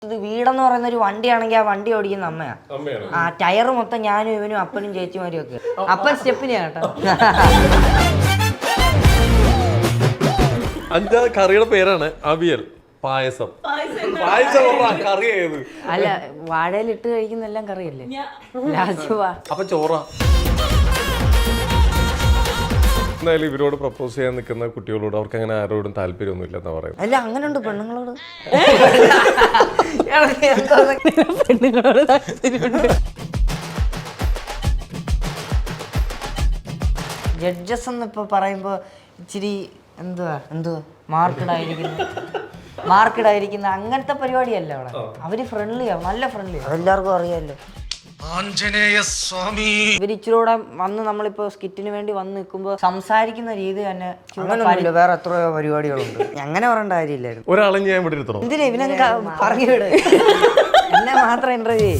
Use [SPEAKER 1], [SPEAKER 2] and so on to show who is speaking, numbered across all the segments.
[SPEAKER 1] ഇത് വീടെന്ന് പറയുന്ന ഒരു വണ്ടിയാണെങ്കിൽ ആ വണ്ടി ഓടിക്കുന്ന അമ്മയാ. ആ ടയർ മൊത്തം ഞാനും ഇവനും അപ്പനും ചേച്ചിമാരും ഒക്കെ. അപ്പൻ സ്റ്റെപ്പിനെയാ കേട്ടോ.
[SPEAKER 2] അഞ്ചാറ് കറിയുടെ പേരാണ് അവിയൽ, പായസം. പായസം കറി ഏത്?
[SPEAKER 1] അല്ല, വാഴയിലിട്ട് കഴിക്കുന്ന എല്ലാം കറിയല്ലേ.
[SPEAKER 2] അപ്പൊ ചോറ. എന്തായാലും ഇവരോട് പ്രപ്പോസ് ചെയ്യാൻ നിൽക്കുന്ന കുട്ടികളോട് അവർക്ക് അങ്ങനെ ആരോടും താല്പര്യമൊന്നും ഇല്ലെന്നാ പറയുന്നത്.
[SPEAKER 1] അല്ല, അങ്ങനെയുണ്ട് പെണ്ണുങ്ങളോട്. ജഡ്ജസ് എന്നിപ്പോ പറയുമ്പോ ഇച്ചിരി എന്തുവാ മാർക്കഡായിരിക്കുന്ന അങ്ങനത്തെ പരിപാടിയല്ല അവിടെ. അവര് ഫ്രണ്ട്ലിയാ, നല്ല ഫ്രണ്ട്ലിയാ, എല്ലാവർക്കും അറിയാമല്ലോ. ഇവരിച്ചിലൂടെ വന്ന് നമ്മളിപ്പോ സ്കിറ്റിന് വേണ്ടി വന്ന് നിൽക്കുമ്പോ സംസാരിക്കുന്ന രീതി തന്നെ വേറെ എത്രയോ പരിപാടികളുണ്ട്. അങ്ങനെ പറയേണ്ട കാര്യമില്ലായിരുന്നു.
[SPEAKER 2] ഒരാളെ ഞാൻ ഇവിടെ ഇരുത്തണം.
[SPEAKER 1] എന്തിനാ ഇവനെ പറഞ്ഞു വിട്, എന്നെ മാത്രം ഇന്റർവ്യൂ.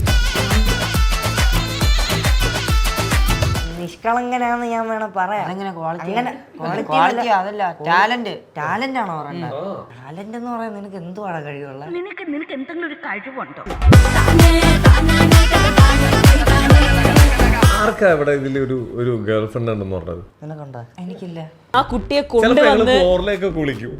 [SPEAKER 1] നിഷ്കളങ്കനാന്ന് ഞാൻ വേണം പറയാം. ക്വാളിറ്റി അതല്ല, ടാലന്റ് ആണോ പറയണ്ടത്? ടാലന്റ് എന്ന് പറയാൻ നിനക്ക് എന്തുവാണ് കഴിവുള്ള?
[SPEAKER 3] നിനക്ക് എന്തെങ്കിലും ഒരു കഴിവുണ്ടോ?
[SPEAKER 2] ആർക്കാ ഇവിടെ ഇതിൽ ഒരു ഗേൾ ഫ്രണ്ട് ഉണ്ടെന്ന് പറഞ്ഞത്?
[SPEAKER 1] നിനക്കുണ്ടോ? എനിക്കില്ല.
[SPEAKER 4] ആ കുട്ടിയെ കൊണ്ടുവന്ന്
[SPEAKER 2] ഫ്ലോറിലേക്ക് കുളിക്കൂ.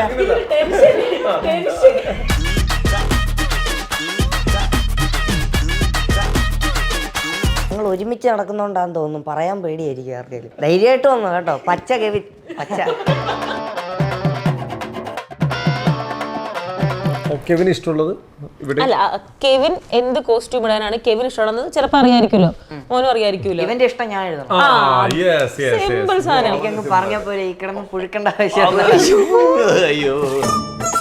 [SPEAKER 1] നിങ്ങൾ ഒരുമിച്ച് നടക്കുന്നോണ്ടാന്ന് തോന്നുന്നു, പറയാൻ പേടിയായിരിക്കും ആർക്കെങ്കിലും. ധൈര്യമായിട്ട് വന്നു കേട്ടോ. പച്ച കെവിൻ, പച്ച.
[SPEAKER 2] കെവിന് ഇഷ്ടമുള്ളത് ഇവിടെ
[SPEAKER 4] അല്ല, കെവിൻ എന്ത് കോസ്റ്റ്യൂം ഇടാനാണ് കെവിൻ ഇഷ്ടമുള്ളത് ചിലപ്പോൾ അറിയായിരിക്കുമല്ലോ, മോനും അറിയായിരിക്കുമല്ലോ.
[SPEAKER 1] ഇവന്റെ ഇഷ്ടം ഞാൻ എഴുതണം.
[SPEAKER 4] സിമ്പിൾ സാധനം.
[SPEAKER 1] എനിക്കങ്ങ് പറഞ്ഞ പോലെ ഈ കിടന്ന് പുഴുക്കേണ്ട ആവശ്യം.